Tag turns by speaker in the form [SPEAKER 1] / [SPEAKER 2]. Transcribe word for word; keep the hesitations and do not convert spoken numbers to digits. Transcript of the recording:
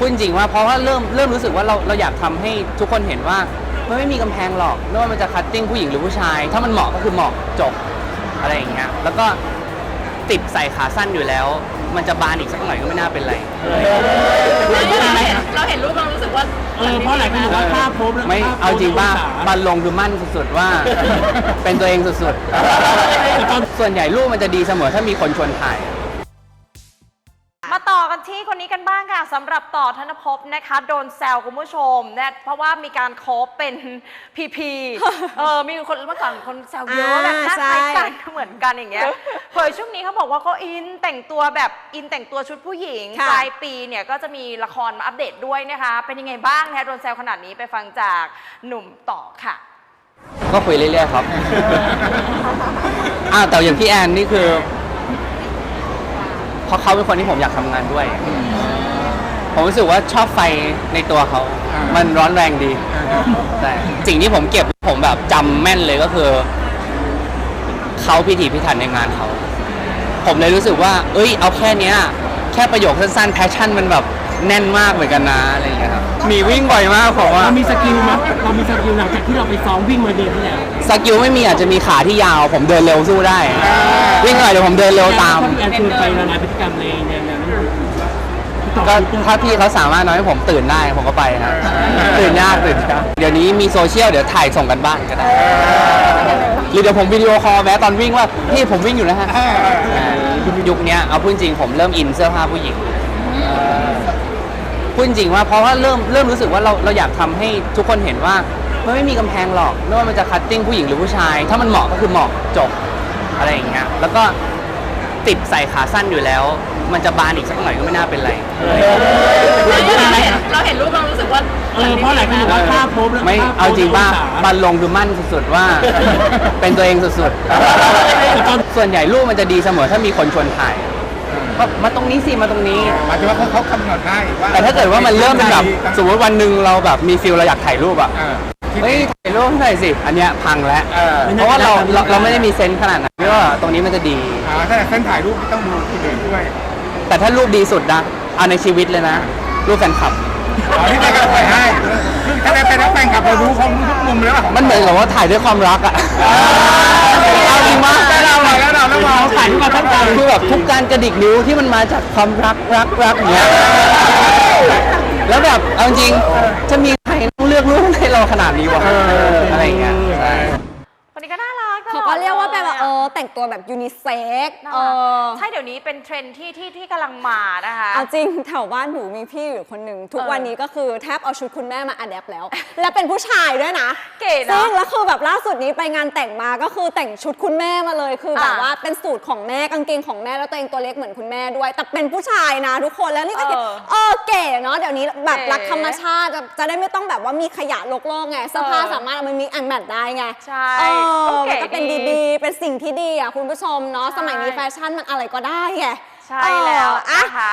[SPEAKER 1] พูดจริงว่าเพราะว่าเริ่มเริ่มรู้สึกว่าเราเราอยากทำให้ทุกคนเห็นว่ามันไม่มีกำแพงหรอกไม่ว่ามันจะคัตติ้งผู้หญิงหรือผู้ชายถ้ามันเหมาะก็คือเหมาะจบอะไรอย่างเงี้ยแล้วก็ติดใส่ขาสั้นอยู่แล้วมันจะบานอีกสักหน่อยก็ไม่น่าเป็นไร
[SPEAKER 2] เราเห็นรูปเรารู้สึกว่า
[SPEAKER 3] เออเพราะหลายคนบอกว่าภาพโพสแล้ว
[SPEAKER 1] ไม่เอาจริงป่ะบันลงคือมั่นสุดๆว่าเป็นตัวเองสุดๆส่วนใหญ่รูปมันจะดีเสมอถ้ามีคนชวนถ่าย
[SPEAKER 2] มาต่อกันที่คนนี้กันบ้างค่ะสำหรับต่อธนภพนะคะโดนแซวคุณผู้ชมนะเพราะว่ามีการโคฟเป็นพีพีเออมีคนเมื่อก่อนคนแซวเยอะแบบหน้าคล้ายกันเหมือนกันอย่างเงี้ยเผยช่วงนี้เขาบอกว่าเขาอินแต่งตัวแบบอินแต่งตัวชุดผู้หญิงปลายปีเนี่ยก็จะมีละครมาอัปเดตด้วยนะคะเป็นยังไงบ้างนะคะโดนแซวขนาดนี้ไปฟังจากหนุ่มต่อค่ะ
[SPEAKER 1] ก็คุยเรื่อยๆครับอ้าวแต่อย่างพี่แอนนี่คือเพราะเขาเป็นคนที่ผมอยากทำงานด้วยผมรู้สึกว่าชอบไฟในตัวเขามันร้อนแรงดีแต่สิ่งที่ผมเก็บผมแบบจำแม่นเลยก็คือเขาพิถีพิถันในงานเขาผมเลยรู้สึกว่าเอ้ยเอาแค่เนี้ยแค่ประโยคสั้นๆแพชชั่นมันแบบแน่นมากเหมือนกันนะอะไรอย่างเงี้ยครับมีวิ่งบ่อยมากผมว่า
[SPEAKER 3] เรามีสกิลมั้ยเรามีสกิลหลังจากที่เราไปซ้อมวิ่งมาเดือนที่แล้ว
[SPEAKER 1] สกิลไม่มีอาจจะมีขาที่ยาวผมเดินเร็วสู้ได้วิ่งหน่อยเดี๋ยวผมเดินเร็วตาม
[SPEAKER 3] แอนชวนไปละลายพฤติกรรมในแนวนั้น
[SPEAKER 1] ก็ถ้าพี่เขาสามารถน้อยให้ผมตื่นได้ผมก็ไปครับตื่นยากตื่นยากเดี๋ยวนี้มีโซเชียลเดี๋ยวถ่ายส่งกันบ้านก็ได้หรือเดี๋ยวผมวิดีโอคอลแม้ตอนวิ่งว่าพี่ผมวิ่งอยู่นะฮะยุคนี้เอาพูดจริงผมเริ่มอินเสื้อผ้าผู้หญิงพูดจริงว่าเพราะว่าเริ่มเริ่มรู้สึกว่าเราเราอยากทำให้ทุกคนเห็นว่ามันไม่มีกำแพงหรอกไม่ว่ามันจะคัตติ้งผู้หญิงหรือผู้ชายถ้ามันเหมาะก็คือเหมาะจบอะไรอย่างเงี้ยแล้วก็ติดใส่ขาสั้นอยู่แล้วมันจะบานอีกสักหน่อยก็ไม่น่าเป็นไร
[SPEAKER 2] เราเห็นรูปเรารู้สึกว่า
[SPEAKER 3] เออเพราะหลายคนบอกว่าภาพโพสแล้ว
[SPEAKER 1] ไม่เอาจริงป่ะบันลงคือมั่นสุดๆว่าเป็นตัวเองสุดๆส่วนใหญ่รูปมันจะดีเสมอถ้ามีคนชวนถ่ายก็มาตรงนี้สิมาตรงนี้
[SPEAKER 4] หมายถึงว่าเขาเขากำหนดได้ว่า
[SPEAKER 1] แต่ถ้าเกิดว่ามันเริ่มเป็นแบบสมมติวันหนึ่งเราแบบมีฟิลเราอยากถ่ายรูปอ่ะเฮ้ยถ่ายรูปหน่อยสิอันเนี้ยพังแล้วเพราะว่าเราเราไม่ได้มีเซนส์ขนาดนั้นว่าตรงนี้มันจะดี
[SPEAKER 4] อ่าถ้าเส้นถ่ายรูปต้องดูคนอื่นด้วย
[SPEAKER 1] แต่ถ้ารูปดีสุดนะเอาในชีวิตเลยนะรูปแฟนคลับ
[SPEAKER 4] อ๋อที่ได้การถ่ายให้ถ้าได้เป็นนักแฟนคลับเรารู้เขารู้ทุกมุมแล้ว
[SPEAKER 1] มันเหมือนกับว่าถ่ายด้วยความรักอ่ะเอาจริงมาก
[SPEAKER 4] แล้วเราแล้วเราแล้วเรา
[SPEAKER 3] ถ่ายมาทั้งวัน
[SPEAKER 1] คือแบบทุกการกระดิกนิ้วที่มันมาจากความรักรักรักเนี้ยแล้วแบบเอาจริงจะมีใครต้องเลือกรูปให้เราขนาดนี้วะอะไรอย่างเงี้ยใช่
[SPEAKER 2] คนนี้ก็น่ารัก
[SPEAKER 5] เขาก็เรียกว่าเป็นแบบเออแต่งตัวแบบยูนิเซ็กเออ
[SPEAKER 2] ใช่เดี๋ยวนี้เป็นเทรนด์ที่ที่ที่กำลังมานะคะ
[SPEAKER 5] เอาจริงแถวบ้านหนูมีพี่อยู่คนหนึ่งทุกวันนี้ก็คือแทบเอาชุดคุณแม่มาอัดแอปแล้วและเป็นผู้ชายด้วยนะ
[SPEAKER 2] เก๋นะ
[SPEAKER 5] ซึ่งแล้วคือแบบล่าสุดนี้ไปงานแต่งมาก็คือแต่งชุดคุณแม่มาเลยคือแบบว่าเป็นสูตรของแม่กางเกงของแม่แล้วตัวเองตัวเล็กเหมือนคุณแม่ด้วยแต่เป็นผู้ชายนะทุกคนแล้วนี่ก็เออเก๋เนาะเดี๋ยวนี้แบบรักธรรมชาติจะได้ไม่ต้องแบบว่ามีขยะโลกโลกไงเสื้อผ้าสามารถเอามามิกแอนด์แมทได้ไง
[SPEAKER 2] ใช่
[SPEAKER 5] ก็เป็นดีๆเป็นสิ่งที่ดีอ่ะคุณผู้ชมเนาะสมัยนี้แฟชั่นมันอะไรก็ได้ไง
[SPEAKER 2] ใช่แล้วนะคะ